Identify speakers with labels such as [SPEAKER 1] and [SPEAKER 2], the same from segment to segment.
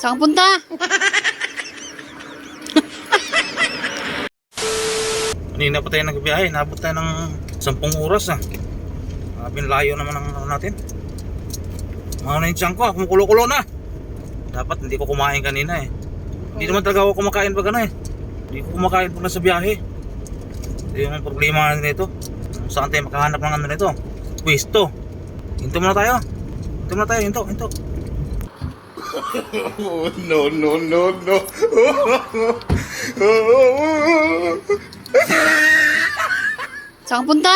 [SPEAKER 1] Saan punta?
[SPEAKER 2] Kanina pa tayo nagbiyahe, nabot tayo ng 10 oras na. Layo naman ang ano natin. Mga na yung tiyan ko, kumukulo-kulo na. Dapat hindi ko kumain kanina eh. Hindi naman talaga ako kumakain pag ano eh. Hindi ko kumakain pag nasa biyahe. Ito yung problema nito. Saan tayo makahanap ng ano nito? Pwesto. Hinto muna tayo. Hinto muna tayo, hinto.
[SPEAKER 3] No, no, no, no.
[SPEAKER 1] Saan punta?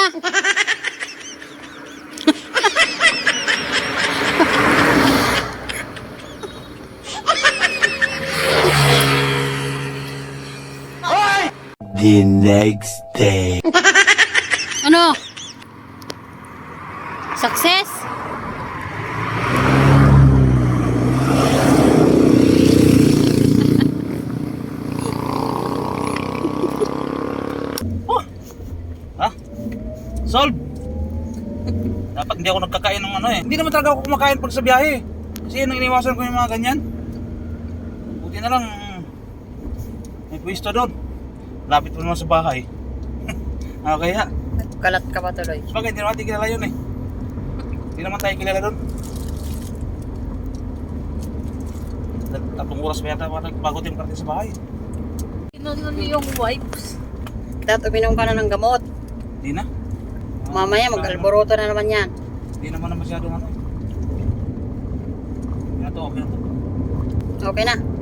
[SPEAKER 3] The next day.
[SPEAKER 1] Ano? Success?
[SPEAKER 2] Ha? Solve! Dapat hindi ako nagkakain ng ano eh. Hindi naman talaga ako kumakain pag sa biyahe. Kasi yun ang iniwasan ko yung mga ganyan. Buti na lang may pwesto doon. Lapit mo naman sa bahay. Kaya
[SPEAKER 1] Kalat ka pa tuloy.
[SPEAKER 2] bakit hindi naman tayo kilala yun eh. Hindi naman tayo kilala doon. 3 oras pa yata bago tayo makarating sa bahay.
[SPEAKER 1] Inunan yung wipes. Dapat uminom ka na ng gamot.
[SPEAKER 2] Hindi na.
[SPEAKER 1] Mamaya mag-alboroto na naman yan.
[SPEAKER 2] Hindi naman na masyadong ano. Okay na to.
[SPEAKER 1] Okay na.